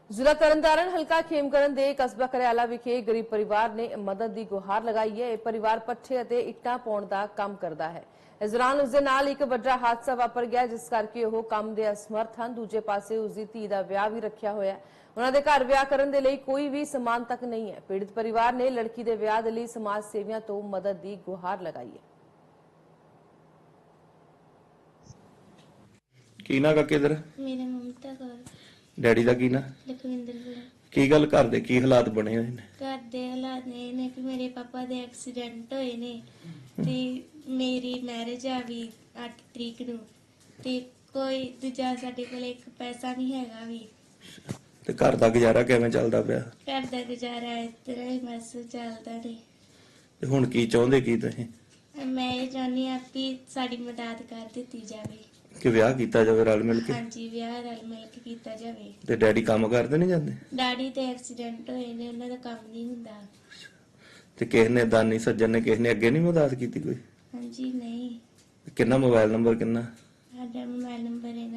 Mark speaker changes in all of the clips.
Speaker 1: ਜ਼ਿਲ੍ਹਾ ਤਰਨਤਾਰਨ ਹਲਕਾ ਖੇਮਕਰਨ ਦੇ ਕਸਬਾ ਕਰਿਆਲਾ ਵਿਖੇ ਗਰੀਬ ਪਰਿਵਾਰ ਨੇ ਮਦਦ ਦੀ ਗੁਹਾਰ ਲਗਾਈ ਹੈ। ਇਹ ਪਰਿਵਾਰ ਪੱਠੇ ਅਤੇ ਇੱਟਾਂ ਪਾਉਣ ਦਾ ਕੰਮ ਕਰਦਾ ਹੈ। ਇਸ ਦੌਰਾਨ ਉਸ ਦੇ ਨਾਲ ਇੱਕ ਵੱਡਾ ਹਾਦਸਾ ਵਾਪਰ ਗਿਆ, ਜਿਸ ਕਰਕੇ ਉਹ ਕੰਮ ਦੇ ਅਸਮਰਥ ਹਨ। ਦੂਜੇ ਪਾਸੇ ਉਸ ਦੀ ਧੀ ਦਾ ਵਿਆਹ ਵੀ ਰੱਖਿਆ ਹੋਇਆ ਹੈ। ਉਹਨਾਂ ਦੇ ਘਰ ਵਿਆਹ ਕਰਨ ਦੇ ਲਈ ਕੋਈ ਵੀ ਸਮਾਨ ਤੱਕ ਨਹੀਂ ਹੈ। ਪੀੜਤ ਪਰਿਵਾਰ ਨੇ ਲੜਕੀ ਦੇ ਵਿਆਹ ਦੇ ਲਈ ਸਮਾਜ ਸੇਵੀਆਂ ਤੋਂ ਮਦਦ ਦੀ ਗੁਹਾਰ ਲਗਾਈ ਹੈ।
Speaker 2: ਕੀ ਨਾ ਕਾਕੇ ਇਧਰ
Speaker 3: ਮੇਰਾ ਮਮਤਾ ਕੌਰ,
Speaker 2: ਡੈਡੀ ਦਾ ਕੀ ਨਾ
Speaker 3: ਲਖਵਿੰਦਰ ਸਿੰਘ।
Speaker 2: ਕੀ ਗੱਲ ਘਰ ਦੇ ਕੀ ਹਾਲਾਤ ਬਣੇ ਹੋਏ ਨੇ?
Speaker 3: ਘਰ ਦੇ ਹਾਲਾਤ ਇਹ ਨੇ ਕਿ ਮੇਰੇ ਪਾਪਾ ਦੇ ਐਕਸੀਡੈਂਟ ਹੋਏ ਨੇ ਤੇ ਮੇਰੀ ਮੈਰਿਜ ਆ ਵੀ 8 ਤਰੀਕ ਨੂੰ ਤੇ ਕੋਈ ਦੂਜਾ ਸਾਡੇ ਕੋਲ ਇੱਕ ਪੈਸਾ ਨਹੀਂ ਹੈਗਾ ਵੀ।
Speaker 2: ਤੇ ਘਰ ਦਾ ਗੁਜ਼ਾਰਾ ਕਿਵੇਂ ਚੱਲਦਾ ਪਿਆ?
Speaker 3: ਘਰ ਦਾ ਗੁਜ਼ਾਰਾ ਇਸ ਤਰ੍ਹਾਂ ਹੀ ਬਸ ਚੱਲਦਾ ਨੇ।
Speaker 2: ਤੇ ਹੁਣ ਕੀ ਚਾਹੁੰਦੇ ਕੀ ਤੁਸੀਂ?
Speaker 3: ਮੈਂ ਇਹ ਚਾਹੁੰਦੀ ਹਾਂ ਕਿ ਸਾਡੀ ਮਦਦ ਕਰ ਦਿੱਤੀ ਜਾਵੇ।
Speaker 2: ਕਿ ਵਿਆਹ ਕੀਤਾ ਜਾਵੇ ਰਲ ਮਿਲ ਕੇ?
Speaker 3: ਹਾਂਜੀ, ਵਿਆਹ ਰਲ ਮਿਲ ਕੇ ਕੀਤਾ ਜਾਵੇ।
Speaker 2: ਤੇ ਡੈਡੀ ਕੰਮ ਕਰਦੇ ਨਹੀਂ ਜਾਂਦੇ?
Speaker 3: ਡੈਡੀ ਤੇ ਐਕਸੀਡੈਂਟ ਹੋਏ ਨੇ, ਉਹਨਾਂ ਦਾ ਕੰਮ ਨਹੀਂ ਹੁੰਦਾ।
Speaker 2: ਤੇ ਕਿਸੇ ਨੇ ਦਾਨੀ ਸੱਜਣ ਨੇ ਕਿਸੇ ਨੇ ਅੱਗੇ ਨਹੀਂ ਮਦਦ ਕੀਤੀ ਕੋਈ?
Speaker 3: ਹਾਂਜੀ ਨਹੀਂ।
Speaker 2: ਕਿੰਨਾ ਮੋਬਾਈਲ ਨੰਬਰ ਕਿੰਨਾ?
Speaker 3: ਸਾਡਾ ਮੋਬਾਈਲ ਨੰਬਰ ਹੈ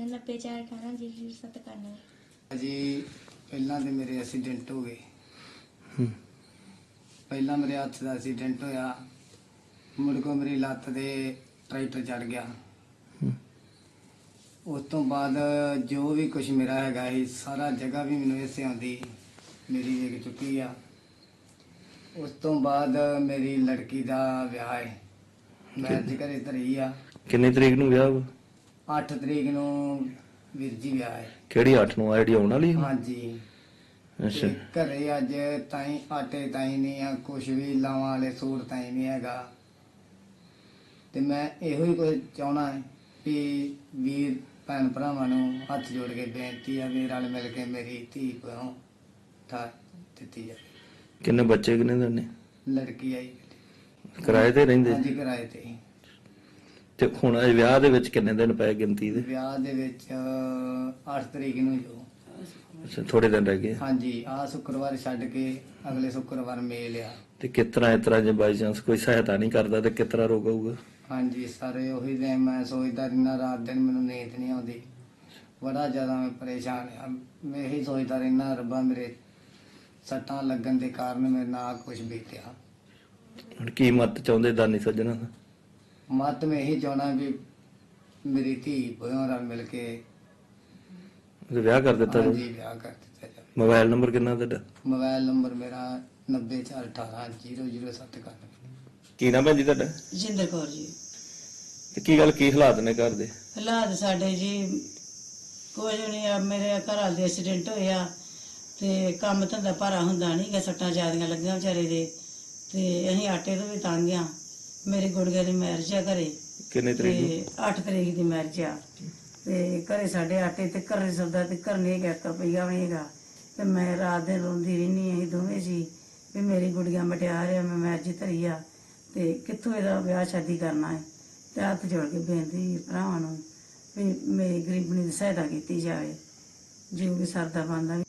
Speaker 3: 9418000791।
Speaker 4: ਜੀ ਪਹਿਲਾਂ ਤੇ ਮੇਰੇ ਐਕਸੀਡੈਂਟ ਹੋ ਗਏ।
Speaker 2: ਹੂੰ।
Speaker 4: ਪਹਿਲਾਂ ਮੇਰੇ ਹੱਥ ਦਾ ਐਕਸੀਡੈਂਟ ਹੋਇਆ, ਮੁੜ ਕੇ ਮੇਰੀ ਲੱਤ ਦੇ ਟਰੈਕਟਰ ਚੜ ਗਿਆ।
Speaker 2: ਹੂੰ।
Speaker 4: ਉਸ ਤੋਂ ਬਾਅਦ ਜੋ ਵੀ ਕੁਝ ਮੇਰਾ ਹੈਗਾ ਸੀ ਸਾਰਾ ਜਗ੍ਹਾ ਵੀ ਮੈਨੂੰ ਇਸੇ ਆਉਂਦੀ ਮੇਰੀ ਵਿਕ ਚੁੱਕੀ ਆ। ਉਸ ਤੋਂ ਬਾਅਦ ਮੇਰੀ ਲੜਕੀ ਦਾ ਵਿਆਹ ਹੈ, ਮੈਂ ਅੱਜ ਘਰੇ ਧਰੀ ਆ।
Speaker 2: ਕਿੰਨੀ ਤਰੀਕ ਨੂੰ ਵਿਆਹ ਵਾ?
Speaker 4: 8 ਤਰੀਕ ਨੂੰ ਵੀਰ ਜੀ ਵਿਆਹ ਹੈ।
Speaker 2: ਕਿਹੜੀ 8 ਨੂੰ ਆ ਜਿਹੜੀ ਆਉਣ ਵਾਲੀ ਆ?
Speaker 4: ਹਾਂਜੀ।
Speaker 2: ਅੱਛਾ।
Speaker 4: ਤੇ ਘਰੇ ਅੱਜ ਤਾਈ ਆਟੇ ਤਾਈ ਨਹੀਂ ਆ, ਕੁਛ ਵੀ ਲਾਵਾਂ ਵਾਲੇ ਸੂਟ ਤਾਈ ਨਹੀਂ ਹੈਗਾ। ਤੇ ਮੈਂ ਇਹੋ ਹੀ ਕੁਝ ਚਾਹਣਾ ਹੈ ਕਿ ਵੀਰ ਭੈਣ ਭਰਾਵਾਂ ਨੂੰ ਹੱਥ ਜੋੜ ਕੇ ਬੇਨਤੀ ਆ ਵੀ ਰਲ ਮਿਲ ਕੇ ਮੇਰੀ ਧੀ ਕੋਲੋਂ ਥਾ ਦਿੱਤੀ ਜਾਵੇ।
Speaker 2: ਕਿੰਨੇ ਬੱਚੇ ਕਿੰਨੇ ਦੇ ਨੇ?
Speaker 4: ਲੜਕੀ ਆਈ
Speaker 2: ਕਿਰਾਏ ਤੇ ਰਹਿੰਦੇ?
Speaker 4: ਹਾਂਜੀ, ਕਿਰਾਏ ਤੇ।
Speaker 2: ਤੇ ਹੁਣ ਇਹ ਵਿਆਹ ਦੇ ਵਿੱਚ ਕਿੰਨੇ ਦਿਨ ਪਏ ਗਿਣਤੀ ਦੇ?
Speaker 4: ਵਿਆਹ ਦੇ ਵਿੱਚ 8 ਤਰੀਕ ਨੂੰ ਜੋ।
Speaker 2: ਅੱਛਾ, ਥੋੜੇ ਦਿਨ ਰਹਿ ਗਏ।
Speaker 4: ਹਾਂਜੀ, ਆ ਸ਼ੁੱਕਰਵਾਰ ਛੱਡ ਕੇ ਅਗਲੇ ਸ਼ੁੱਕਰਵਾਰ ਮੇਲ ਆ।
Speaker 2: ਤੇ ਇਸ ਤਰ੍ਹਾਂ ਜੇ ਬਾਈ ਚਾਂਸ ਕੋਈ ਸਹਾਇਤਾ ਨਹੀਂ ਕਰਦਾ ਤੇ ਕਿਸ ਤਰ੍ਹਾਂ ਰੋਕੂਗਾ?
Speaker 4: ਹਾਂਜੀ, ਸਾਰੇ ਉਹੀ ਦੇ ਮੈਂ ਸੋਚਦਾ ਰਹਿਣਾ, ਰਾਤ ਦਿਨ ਮੈਨੂੰ ਨੀਂਦ ਨਹੀਂ ਆਉਂਦੀ, ਬੜਾ ਜ਼ਿਆਦਾ ਮੈਂ ਪਰੇਸ਼ਾਨ ਆ। ਮੈਂ ਇਹੀ ਸੋਚਦਾ ਰਹਿਣਾ, ਰੱਬਾ ਮੇਰੇ ਸੱਟਾਂ ਲੱਗਣ ਦੇ ਕਾਰਨ ਮੇਰੇ ਨਾਲ ਕੁਝ ਬੀਤਿਆ।
Speaker 2: ਹੁਣ ਕੀ ਮਤ ਚਾਹੁੰਦੇ ਦਾਨੀ ਸੱਜਣਾ ਦਾ?
Speaker 4: ਮਤ ਮੈਂ ਇਹੀ ਚਾਹਣਾ ਵੀ ਮੇਰੀ ਧੀ ਭੋਇਆਂ ਨਾਲ ਮਿਲ ਕੇ
Speaker 2: ਵਿਆਹ ਕਰ ਦਿੱਤਾ ਜਾਵੇ।
Speaker 4: ਹਾਂਜੀ, ਵਿਆਹ ਕਰ ਦਿੱਤਾ ਜਾਵੇ।
Speaker 2: ਮੋਬਾਈਲ ਨੰਬਰ ਕਿੰਨਾ ਤੁਹਾਡਾ?
Speaker 4: ਮੋਬਾਈਲ ਨੰਬਰ ਮੇਰਾ 9418000791।
Speaker 2: ਕੀ ਨਾਮ ਹੈ ਜੀ ਤੁਹਾਡਾ?
Speaker 5: ਜਿੰਦਰ ਕੌਰ ਜੀ।
Speaker 2: ਤੇ ਕੀ ਗੱਲ ਕੀ ਹਾਲਾਤ ਨੇ ਘਰ ਦੇ?
Speaker 5: ਹਾਲਾਤ ਸਾਡੇ ਜੀ ਕੁਝ ਨਹੀਂ ਆ। ਮੇਰੇ ਘਰ ਵਾਲੇ ਦੇ ਐਕਸੀਡੈਂਟ ਹੋਇਆ ਤੇ ਕੰਮ ਧੰਦਾ ਭਾਰਾ ਹੁੰਦਾ ਨਹੀਂ ਗਾ, ਸੱਟਾਂ ਜ਼ਿਆਦੀਆਂ ਲੱਗੀਆਂ ਵਿਚਾਰੇ ਦੇ ਤੇ ਅਸੀਂ ਆਟੇ ਤੋਂ ਵੀ ਤੰਗ ਆ। ਮੇਰੀ ਗੁੜੀਆ ਦੀ ਮੈਰਿਜ ਆ ਘਰੇ।
Speaker 2: ਕਿੰਨੇ ਤਰੀਕ ਨੂੰ?
Speaker 5: ਤੇ 8 ਤਰੀਕ ਦੀ ਮੈਰਿਜ ਆ ਤੇ ਘਰੇ ਸਾਡੇ ਆਟੇ ਤੇ ਘਰੇ ਸੌਦਾ ਤੇ ਘਰ ਨਹੀਂ ਹੈਗਾ, 1 ਰੁਪਈਆ ਵੀ ਨਹੀਂ ਹੈਗਾ। ਤੇ ਮੈਂ ਰਾਤ ਦਿਨ ਰੋਂਦੀ ਰਹਿੰਦੀ, ਅਸੀਂ ਦੋਵੇਂ ਸੀ ਵੀ ਮੇਰੀ ਗੁੜੀਆ ਮਟਿਆਰ ਆ, ਮੈਂ ਮੈਰਿਜ ਧਰੀ ਆ ਤੇ ਕਿੱਥੋਂ ਇਹਦਾ ਵਿਆਹ ਸ਼ਾਦੀ ਕਰਨਾ ਹੈ। ਤੇ ਹੱਥ ਜੋੜ ਕੇ ਬੇਨਤੀ ਭਰਾਵਾਂ ਨੂੰ ਵੀ ਮੇਰੀ ਗਰੀਬਣੀ ਦੀ ਸਹਾਇਤਾ ਕੀਤੀ ਜਾਵੇ, ਜੋ ਵੀ ਸਰਦਾ ਬਣਦਾ।